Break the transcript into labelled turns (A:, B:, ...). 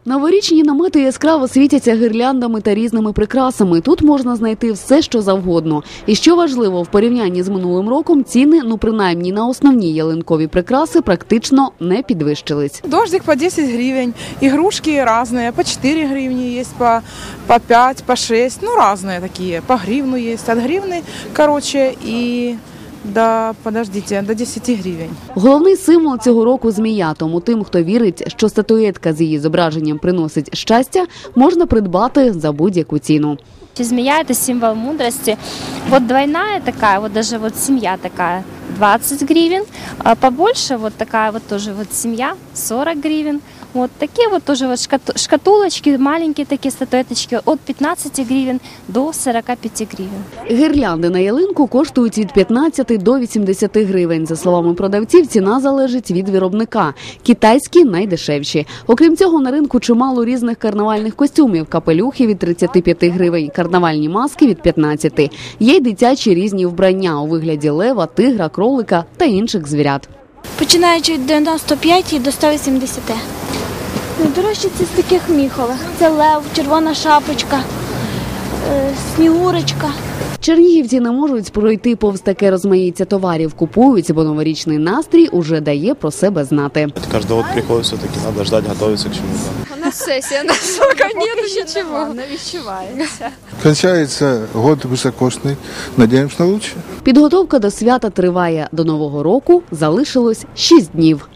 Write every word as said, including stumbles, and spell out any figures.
A: Новорічні намети яскраво світяться гірляндами та різними прикрасами. Тут можна знайти все, що завгодно. І що важливо, в порівнянні з минулим роком ціни, ну принаймні на основні ялинкові прикраси, практично не підвищились.
B: Дождик по десять гривен, игрушки разные, по четыре гривни есть, по, по пять, по шесть, ну разные такие, по гривну есть, от гривны, короче, и... Да, подождите, до десяти гривень.
A: Головний символ цього року – змія, тому тим, хто вірить, що статуетка з її зображенням приносить щастя, можна придбати за будь-яку ціну.
C: Змея – это символ мудрости. Вот двойная такая, вот даже вот семья такая, двадцать гривен. А побольше вот такая вот тоже вот семья, сорок гривен. Вот такие вот тоже вот шкатулочки, маленькие такие статуэточки от пятнадцати гривен до сорока пяти гривен.
A: Гірлянди на ялинку коштують від п'ятнадцяти до вісімдесяти гривень. За словами продавців, ціна залежить від виробника. Китайські – найдешевші. Окрім цього, на ринку чимало різних карнавальних костюмів. Капелюхи від тридцяти п'яти гривень, карнавальні маски від п'ятнадцяти. Є й дитячі різні вбрання у вигляді лева, тигра, кролика та інших звірят.
D: Починаючи від дев'яносто п'ять до ста вісімдесяти. Найдорожчі це з таких міхових. Це лев, червона шапочка, снігурочка.
A: Чернігівці не можуть пройти повз таке розмаїття товарів. Купують, бо новорічний настрій уже дає про себе знати.
E: Кожен год приходить, все-таки треба ждати, готуватися к чому-то.
F: У нас сесія, наскільки нет нічого, не відчувається.
G: Кончається год високосний, надіємося на краще.
A: Підготовка до свята триває. До Нового року залишилось шість днів.